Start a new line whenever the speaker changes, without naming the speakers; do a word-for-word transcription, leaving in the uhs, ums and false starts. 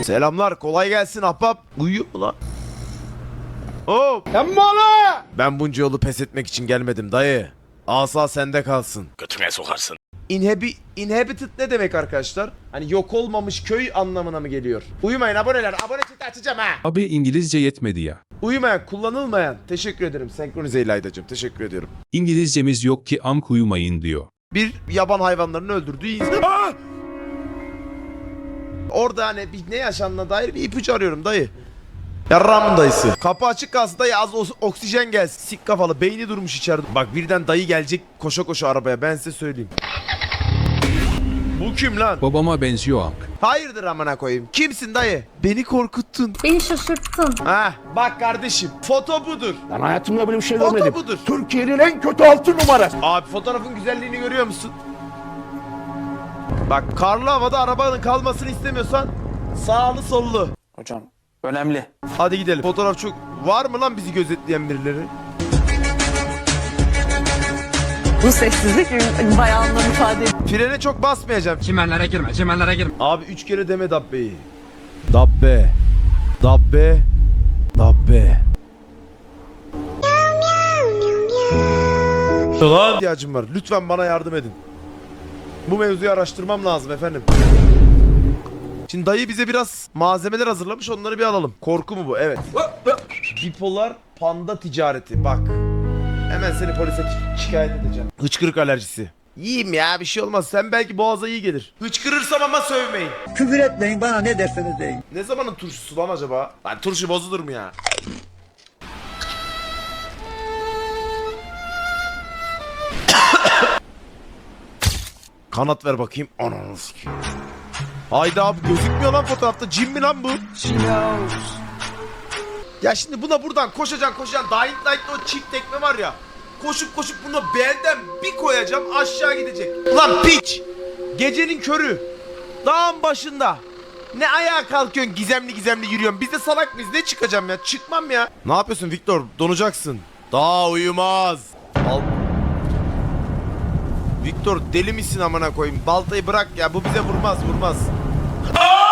Selamlar, kolay gelsin ahbap. Uyuyor mu lan? Hop. Ben bunca yolu pes etmek için gelmedim dayı. Asa sende kalsın.
Götüne sokarsın.
Inhabi inhabited ne demek arkadaşlar? Hani yok olmamış köy anlamına mı geliyor? Uyumayın aboneler. Abone çeti açacağım ha.
Abi İngilizce yetmedi ya.
Uyumayan, kullanılmayan. Teşekkür ederim. Senkronize İlaydacığım. Teşekkür ediyorum.
İngilizcemiz yok ki amk uyumayın diyor.
Bir yaban hayvanlarını öldürdüğü insan... Aa! Orada hani bir ne yaşandığına dair bir ipucu arıyorum dayı. Yarramın dayısı. Kapı açık kalsın dayı, az os- oksijen gelsin. Sik kafalı, beyni durmuş içeride. Bak birden dayı gelecek koşa koşa arabaya, ben size söyleyeyim. Bu kim lan?
Babama benziyor amk.
Hayırdır amına koyayım. Kimsin dayı? Beni korkuttun.
Beni şaşırttın.
Ha bak kardeşim, foto budur.
Ben hayatımda böyle bir şey
Foto
görmedim.
budur.
Türkiye'nin en kötü altı numarası.
Abi fotoğrafın güzelliğini görüyor musun? Bak karlı havada arabanın kalmasını istemiyorsan sağlı sollu.
Hocam önemli.
Hadi gidelim. Fotoğraf çok... Var mı lan bizi gözetleyen birileri?
Bu sessizlik bayağı anlam ifade ediyor.
Frene çok basmayacağım.
Çimenlere girme, çimenlere girme.
Abi üç kere deme Dabbe'yi. Dabbe. Dabbe. Dabbe. Lan ihtiyacım var. Lütfen bana yardım edin. Bu mevzuyu araştırmam lazım efendim. Şimdi dayı bize biraz malzemeler hazırlamış, onları bir alalım. Korku mu bu? Evet. Bipolar panda ticareti. Bak. Hemen seni polise şi- şikayet edeceğim. Hıçkırık alerjisi. Yiyeyim ya, bir şey olmaz. Sen belki boğaza iyi gelir. Hıçkırırsam ama sövmeyin.
Küfür etmeyin, bana ne derseniz deyin.
Ne zamanın turşusu lan acaba? Lan turşu bozulur mu ya? Kanat ver bakayım. Ananı sikeyim. Haydi abi, gözükmüyor lan fotoğrafta. Cin mi lan bu? Ya şimdi buna buradan koşacaksın koşacaksın. Dying Light'ta o çift tekme var ya. Koşup koşup bunu belden bir koyacağım, aşağı gidecek. Ulan piç! Gecenin körü. Dağın başında. Ne ayağa kalkıyorsun, gizemli gizemli yürüyorsun. Biz de salak mıyız? Ne çıkacağım ya? Çıkmam ya. Ne yapıyorsun Victor? Donacaksın. Daha uyumaz. Al. Victor deli misin amına koyayım? Baltayı bırak ya, bu bize vurmaz vurmaz. Aa!